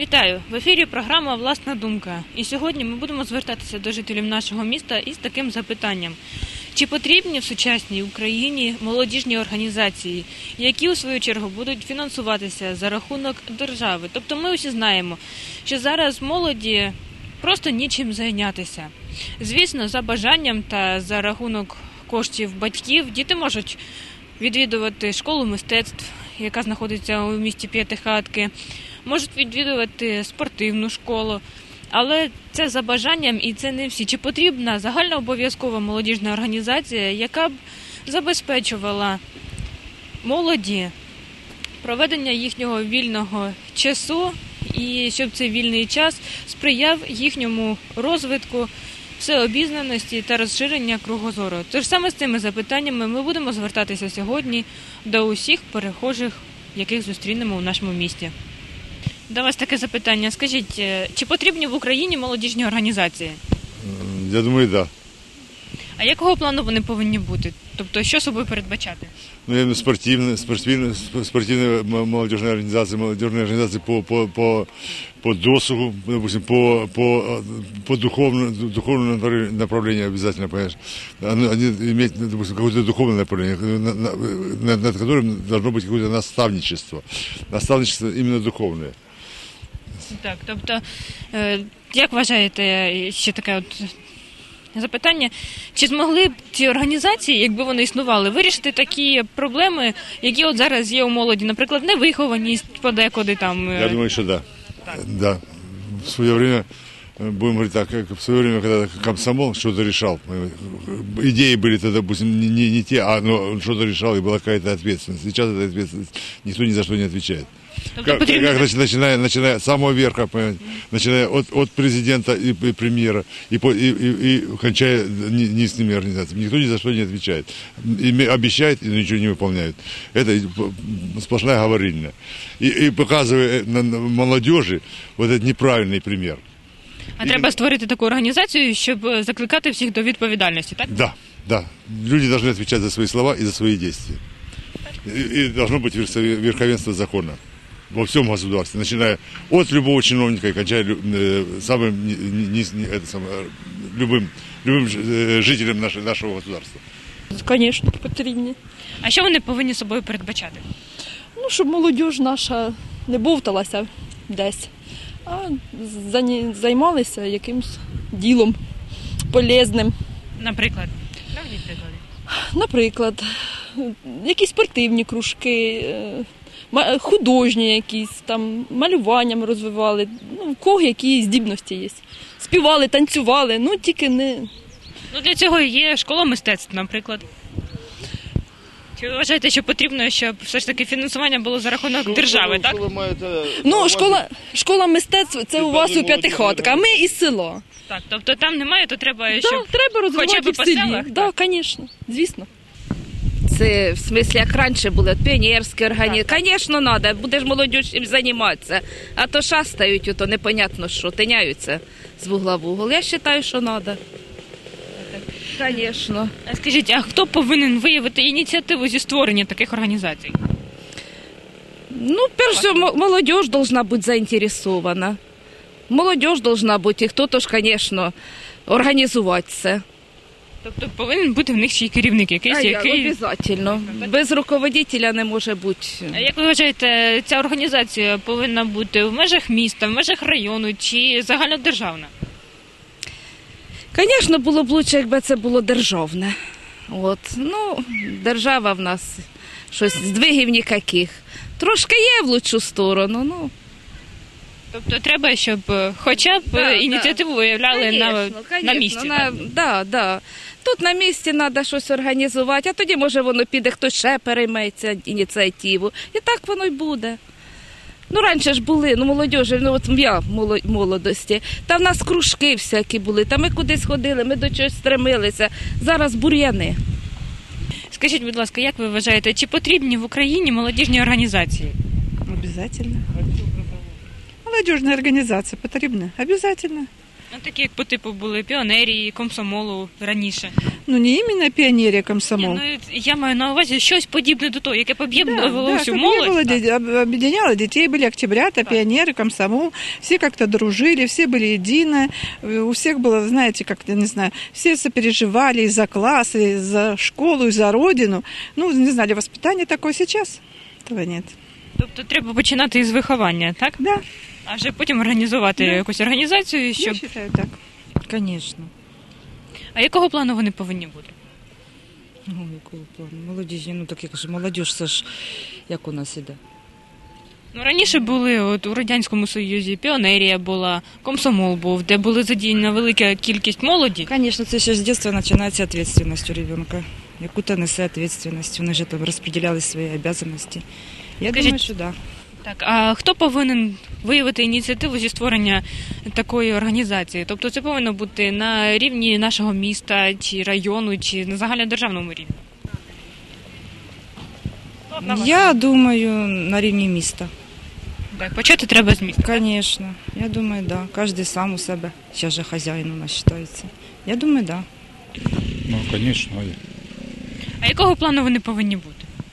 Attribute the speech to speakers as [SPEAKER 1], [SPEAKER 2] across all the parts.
[SPEAKER 1] Вітаю! В ефірі програма «Власна думка». І сьогодні ми будемо звертатися до жителів нашого міста із таким запитанням. Чи потрібні в сучасній Україні молодіжні організації, які у свою чергу будуть фінансуватися за рахунок держави? Тобто ми усі знаємо, що зараз молоді просто нічим зайнятися. Звісно, за бажанням та за рахунок коштів батьків діти можуть відвідувати школу мистецтв, яка знаходиться у місті П'ятихатки, можуть відвідувати спортивну школу, але це за бажанням і це не всі. Чи потрібна загальнообов'язкова молодіжна організація, яка б забезпечувала молоді проведення їхнього вільного часу і щоб цей вільний час сприяв їхньому розвитку, всеобізнаності та розширення кругозору? Тож саме з цими запитаннями ми будемо звертатися сьогодні до усіх перехожих, яких зустрінемо у нашому місті. До вас таке запитання. Скажіть, чи потрібні в Україні молодіжні організації?
[SPEAKER 2] Я думаю, так. Да.
[SPEAKER 1] А якого плану вони повинні бути? Тобто, що собою передбачати?
[SPEAKER 2] Ну, спортивные молодежные организации по досугу, допустим, по духовному направлению обязательно, понимаешь. Они имеют, допустим, какое-то духовное направление, над которым должно быть какое-то наставничество. Наставничество именно духовное.
[SPEAKER 1] Так, тобто, як вважаєте, ще таке от запитання, чи змогли б ці організації, якби вони існували, вирішити такі проблеми, які от зараз є у молоді, наприклад, невихованість подекуди там?
[SPEAKER 2] Я думаю, что да. Да. В свое время, будем говорить так, как в свое время, когда комсомол что-то решал, идеи были тогда, допустим, не те, но что-то решал, и была какая-то ответственность. Сейчас эта ответственность никто ни за что не отвечает. Как начиная с самого верха, начиная от президента и премьера, и кончая низкими организациями. Никто ни за что не отвечает. Обещает, и ничего не выполняют. Это сплошная говорильня. И показывая молодежи вот этот неправильный пример.
[SPEAKER 1] А треба створити таку організацію, щоб закликати всіх до відповідальності, так?
[SPEAKER 2] Да, да. Люди должны отвечать за свои слова и за свои действия. И должно быть верховенство закона во всем государстве, начиная от любого чиновника и кончая любым жителем нашего государства.
[SPEAKER 3] Звісно, потрібні.
[SPEAKER 1] А що вони повинні собою передбачати?
[SPEAKER 3] Ну, щоб молодь наша не бовталася десь, а займалися якимось ділом полезним.
[SPEAKER 1] Наприклад? Навіть приклади.
[SPEAKER 3] Наприклад, якісь спортивні кружки, художні якісь, там, малюванням розвивали, ну, в кого які здібності є. Співали, танцювали, ну, тільки не...
[SPEAKER 1] Ну, для цього є школа мистецтв, наприклад. Чи ви вважаєте, що потрібно, щоб все ж таки фінансування було за рахунок держави, так?
[SPEAKER 3] Ну, школа мистецтв – це у вас у П'ятихатка, а ми із села.
[SPEAKER 1] Так, тобто там немає, то треба,
[SPEAKER 3] Да,
[SPEAKER 1] щоб
[SPEAKER 3] треба розвивати
[SPEAKER 1] хоча б
[SPEAKER 3] в
[SPEAKER 1] по
[SPEAKER 3] селі.
[SPEAKER 1] селах?
[SPEAKER 3] Так, звісно, звісно.
[SPEAKER 4] Це, в смислі, як раніше були, піонерські організації. Звісно, треба, будеш молодь чим займатися. А то шастають, то непонятно що, тиняються з вугла в угол. Я вважаю, що треба. Звісно.
[SPEAKER 1] А скажіть, а хто повинен виявити ініціативу зі створення таких організацій?
[SPEAKER 4] Ну, перше, молодь повинна бути заінтересована. Молодь повинна бути, і хто-то ж, звісно, організувати це.
[SPEAKER 1] Тобто повинен бути в них ще й керівник якийсь, який...
[SPEAKER 4] Обов'язково. Без руководителя не може бути.
[SPEAKER 1] А як ви вважаєте, ця організація повинна бути в межах міста, в межах району чи загальнодержавна?
[SPEAKER 4] Звісно, було б краще, якби це було державне. От. Ну, держава в нас щось, здвигів ніяких. Трошки є в лучшу сторону, ну.
[SPEAKER 1] Тобто треба, щоб хоча б ініціативу виявляли на місці.
[SPEAKER 4] Так. Тут на місці треба щось організувати, а тоді, може, воно піде, хтось ще перейметься ініціативу. І так воно й буде. Ну, раніше ж були, молодіжі, от я в молодості, там в нас кружки всякі були, там ми кудись ходили, ми до чогось стремилися. Зараз бур'яни.
[SPEAKER 1] Скажіть, будь ласка, як ви вважаєте, чи потрібні в Україні молодіжні організації?
[SPEAKER 5] Обязательно. Молодежная организация потребна? Обязательно.
[SPEAKER 1] Ну, такі, як по типу були піонерії, комсомолу раніше.
[SPEAKER 5] Ну, не именно пионерия комсомол.
[SPEAKER 1] Ні, ну, я маю на увазі щось подібне до того, яке
[SPEAKER 5] Да,
[SPEAKER 1] об'єднувало всю
[SPEAKER 5] как
[SPEAKER 1] молодь.
[SPEAKER 5] не было,
[SPEAKER 1] так.
[SPEAKER 5] объединяло детей, были октябрята, пионеры, комсомол, все как-то дружили, все были едины, у всех было, знаете, как-то, не знаю, все сопереживали и за класс, и за школу, и за родину. Ну, не знали, воспитание такое сейчас, этого нет.
[SPEAKER 1] Тобто треба починати із виховання, так?
[SPEAKER 5] Да,
[SPEAKER 1] А вже потім організувати
[SPEAKER 5] Да.
[SPEAKER 1] якусь організацію,
[SPEAKER 5] я
[SPEAKER 1] щоб...
[SPEAKER 5] считаю так.
[SPEAKER 6] Конечно.
[SPEAKER 1] А якого плану вони повинні бути?
[SPEAKER 6] Ну, якого плану? Молодіжні, ну так як же молодіж, це ж як у нас іде.
[SPEAKER 1] Ну, раніше були от у Радянському Союзі піонерія була, комсомол був, де були задіяна велика кількість молоді.
[SPEAKER 6] Конечно, це ще з дитинства починається відповідальність у ребенка. Яку-то несе відповідальність, вони ж там розподіляли свої обов'язки. Я
[SPEAKER 1] Скажіть,
[SPEAKER 6] думаю, що так.
[SPEAKER 1] Так, а хто повинен виявити ініціативу зі створення такої організації? Тобто це повинно бути на рівні нашого міста, чи району, чи на загальнодержавному рівні?
[SPEAKER 6] Я думаю, на рівні міста.
[SPEAKER 1] Так, почати треба з міста.
[SPEAKER 6] Конечно. Я думаю, да. Кожен сам у себе. Зараз же хазяїн у нас вважається. Я думаю, да.
[SPEAKER 7] Ну, конечно.
[SPEAKER 1] А якого плану вони повинні бути?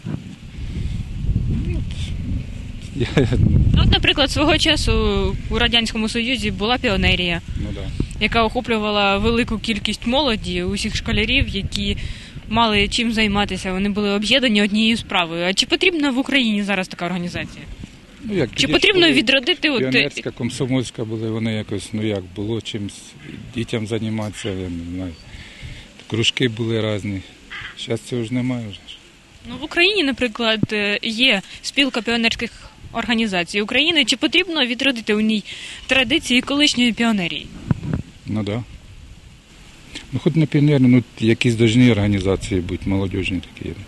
[SPEAKER 7] Я,
[SPEAKER 1] Ну, от, наприклад, свого часу у Радянському Союзі була піонерія,
[SPEAKER 7] ну да.
[SPEAKER 1] яка охоплювала велику кількість молоді, усіх школярів, які мали чим займатися. Вони були об'єднані однією справою. А чи потрібна в Україні зараз така організація?
[SPEAKER 7] Ну, як
[SPEAKER 1] Чи
[SPEAKER 7] тоді
[SPEAKER 1] потрібно
[SPEAKER 7] були
[SPEAKER 1] відродити от
[SPEAKER 7] піонерська, комсомольська були, вони якось, ну як, було чимось дітям займатися, я не знаю. Кружки були різні. Зараз цього ж немає вже.
[SPEAKER 1] Ну, в Україні, наприклад, є спілка піонерських організацій України. Чи потрібно відродити у ній традиції колишньої піонерії?
[SPEAKER 7] Ну так. Да. Ну, хоч не піонерні, ну якісь дожні організації бути, молодіжні такі.
[SPEAKER 1] Ну,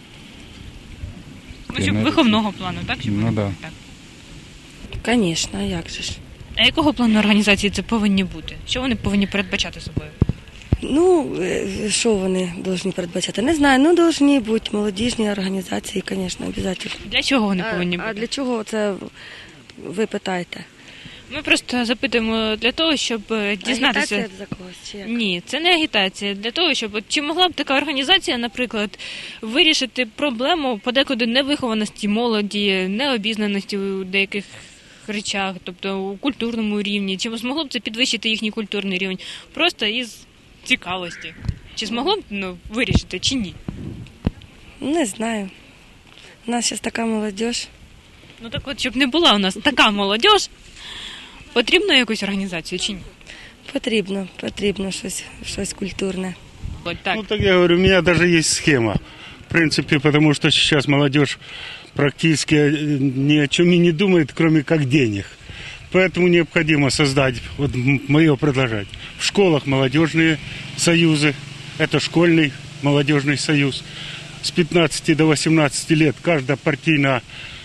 [SPEAKER 1] щоб
[SPEAKER 7] Піонерії.
[SPEAKER 1] виховного плану, так? Щоб
[SPEAKER 7] Ну,
[SPEAKER 1] вони
[SPEAKER 7] да.
[SPEAKER 1] були так.
[SPEAKER 8] Звісно, як же ж.
[SPEAKER 1] А якого плану організації це повинні бути? Що вони повинні передбачати собою?
[SPEAKER 8] Ну, що вони повинні передбачати? Не знаю, ну повинні бути молодіжні організації, звісно, обов'язково.
[SPEAKER 1] Для чого вони повинні бути?
[SPEAKER 8] А для чого це ви питаєте?
[SPEAKER 1] Ми просто запитуємо для того, щоб дізнатися.
[SPEAKER 8] Агітація за когось чи як?
[SPEAKER 1] Ні, це не агітація. Для того, щоб чи могла б така організація, наприклад, вирішити проблему подекуди невихованості молоді, необізнаності у деяких речах, тобто у культурному рівні, чи змогло б це підвищити їхній культурний рівень просто із цікавості? Чи змогло б вирішити, чи ні?
[SPEAKER 8] Не знаю. У нас зараз така молодь.
[SPEAKER 1] Ну так от, щоб не була у нас така молодь, потрібно якусь організацію чи ні?
[SPEAKER 8] Потрібно щось культурне.
[SPEAKER 1] От так.
[SPEAKER 9] Ну, так я говорю, у меня даже есть схема. В принципе, потому что сейчас молодежь практически ни о чем и не думает, кроме как денег. Поэтому необходимо создать, вот мое предложение, в школах молодежные союзы, это школьный молодежный союз. С 15 до 18 лет каждая партийная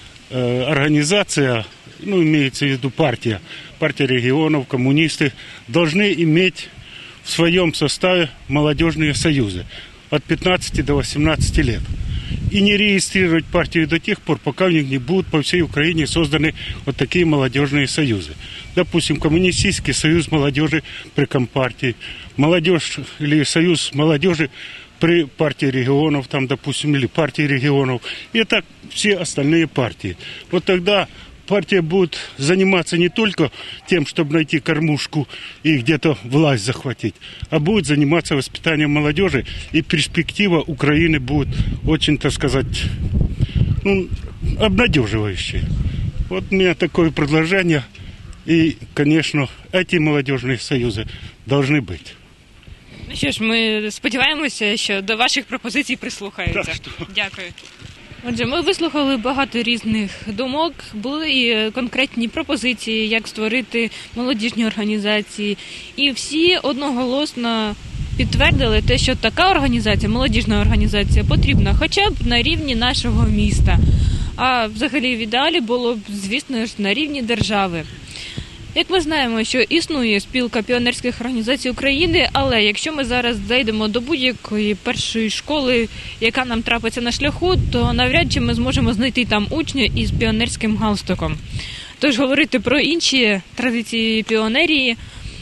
[SPEAKER 9] организация, ну, имеется в виду партия регионов, коммунисты, должны иметь в своем составе молодежные союзы от 15 до 18 лет. И не регистрировать партию до тех пор, пока у них не будут по всей Украине созданы вот такие молодежные союзы. Допустим, коммунистический союз молодежи при Компартии, молодежь или союз молодежи при партии регионов, там, допустим, или партии регионов. И так все остальные партии. Вот тогда партия будет заниматься не только тем, чтобы найти кормушку и где-то власть захватить, а будет заниматься воспитанием молодежи, и перспектива Украины будет очень, так сказать, ну, обнадеживающая. Вот у меня такое предложение, и, конечно, эти молодежные союзы должны быть.
[SPEAKER 1] Ну що ж, ми сподіваємося, що до ваших пропозицій прислухаються.
[SPEAKER 9] Так що.
[SPEAKER 1] Дякую. Отже, ми вислухали багато різних думок, були і конкретні пропозиції, як створити молодіжні організації. І всі одноголосно підтвердили те, що така організація, молодіжна організація, потрібна хоча б на рівні нашого міста. А взагалі в ідеалі було б, звісно ж, на рівні держави. Як ми знаємо, що існує спілка піонерських організацій України, але якщо ми зараз зайдемо до будь-якої першої школи, яка нам трапиться на шляху, то навряд чи ми зможемо знайти там учня із піонерським галстуком. Тож говорити про інші традиції піонерії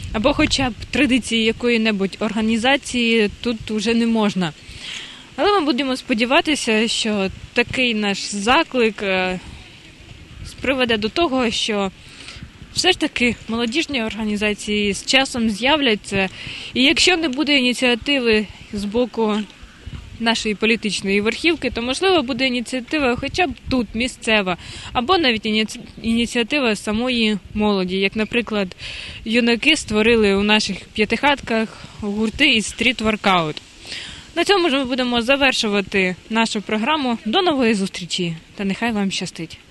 [SPEAKER 1] або хоча б традиції якої-небудь організації тут вже не можна. Але ми будемо сподіватися, що такий наш заклик приведе до того, що все ж таки молодіжні організації з часом з'являться, і якщо не буде ініціативи з боку нашої політичної верхівки, то, можливо, буде ініціатива хоча б тут, місцева, або навіть ініціатива самої молоді, як, наприклад, юнаки створили у наших п'ятихатках гурти із стріт-воркаут. На цьому ж ми будемо завершувати нашу програму. До нової зустрічі, та нехай вам щастить!